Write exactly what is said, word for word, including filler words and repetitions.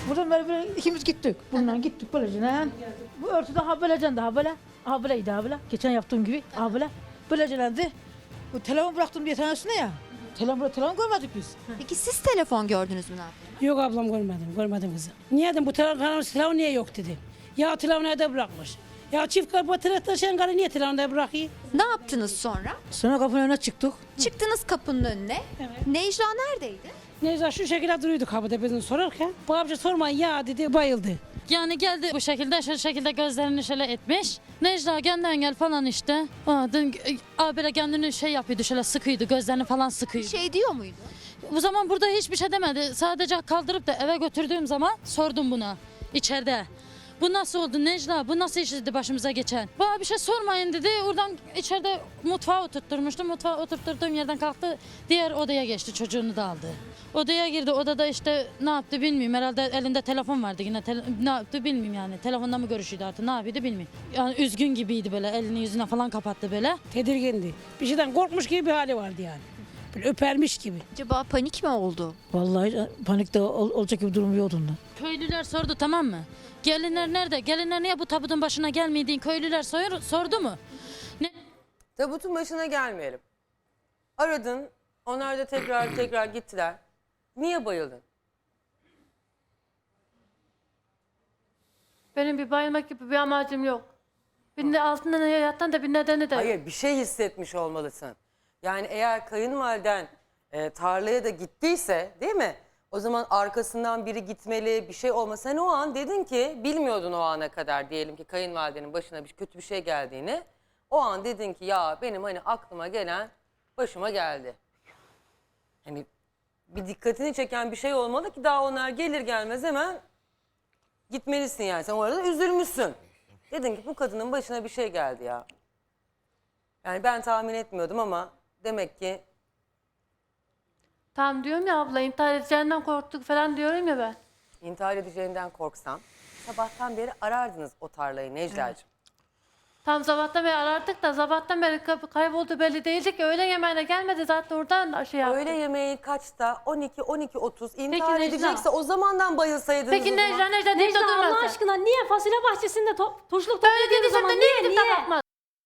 Buradan böyle, böyle ikimiz gittik. Bundan gittik böylece. Ne? Bu örtü daha böylece daha böyle. Aha böyleydi daha böyle. Geçen yaptığım gibi. Aha böyle. Böylecelendi. Bu telefon bıraktım bir tanesine ya. Telefon, telefon görmedik biz. Peki siz telefon gördünüz mü ne yaptınız? Yok ablam görmedim, görmedim kızım. Niye dedim bu telefon, telefon niye yok dedi. Ya telefonu evde bırakmış. Ya çift kapı tırnak taşıyan karı niye telefonu evde bırakıyor? Ne yaptınız sonra? Sonra kapının önüne çıktık. Çıktınız kapının önüne. Evet. Necla neredeydi? Neyse şu şekilde duruyordu kapıda bizim sorarken. Bu amca sormayın ya dedi, bayıldı. Yani geldi bu şekilde, şu şekilde gözlerini şöyle etmiş. Necla genden gel falan işte. Aa, dün, aa, böyle kendini şey yapıyordu, şöyle sıkıyordu, gözlerini falan sıkıyordu. Şey diyor muydu? Bu zaman burada hiçbir şey demedi. Sadece kaldırıp da eve götürdüğüm zaman sordum buna içeride. Bu nasıl oldu Necla? Bu nasıl iş dedi başımıza geçen? Bana bir şey sormayın dedi. Oradan içeride mutfağa oturtturmuştum. Mutfağa oturtturduğum yerden kalktı. Diğer odaya geçti. Çocuğunu da aldı. Odaya girdi. Odada işte ne yaptı bilmiyorum. Herhalde elinde telefon vardı yine. Tele- ne yaptı bilmiyorum yani. Telefonda mı görüşüyordu artık ne yapıyordu bilmiyorum. Yani üzgün gibiydi böyle. Elini yüzüne falan kapattı böyle. Tedirgindi. Bir şeyden korkmuş gibi bir hali vardı yani. Böyle öpermiş gibi. Acaba panik mi oldu? Vallahi panikte ol, olacak gibi durum yoktu onda. Köylüler sordu tamam mı? Gelinler nerede? Gelinler niye bu tabutun başına gelmediğin köylüler sor- sordu mu? Ne? Tabutun başına gelmeyelim. Aradın, onlar da tekrar tekrar gittiler. Niye bayıldın? Benim bir bayılmak gibi bir amacım yok. Bir de altında ne yatan da bir nedeni de yok. Hayır, bir şey hissetmiş olmalısın. Yani eğer kayınvaliden e, tarlaya da gittiyse, değil mi? O zaman arkasından biri gitmeli, bir şey olmasa. Sen o an dedin ki, bilmiyordun o ana kadar diyelim ki kayınvalidenin başına bir kötü bir şey geldiğini. O an dedin ki ya benim hani aklıma gelen başıma geldi. Hani bir dikkatini çeken bir şey olmalı ki daha onlar gelir gelmez hemen gitmelisin yani. Sen o arada üzülmüşsün. Dedin ki bu kadının başına bir şey geldi ya. Yani ben tahmin etmiyordum ama demek ki Tamam diyorum ya abla intihar edeceğinden korktuk falan diyorum ya ben. intihar edeceğinden korksan sabahtan beri arardınız o tarlayı Necla'cığım. Tam sabahtan beri arardık da sabahtan beri kay- kayboldu belli değildi ki öğle yemeğine gelmedi zaten oradan şey yaptı. Öğle yemeği kaçta? on iki on iki otuz intihar Necla? edecekse o zamandan bayılsaydınız Peki o zaman. Necla Necla deyip de Necla Allah durmasın. aşkına niye fasulye bahçesinde to turşuluk Öyle topladığın dediysem zaman de niye niye gidip de niye? bakmadın?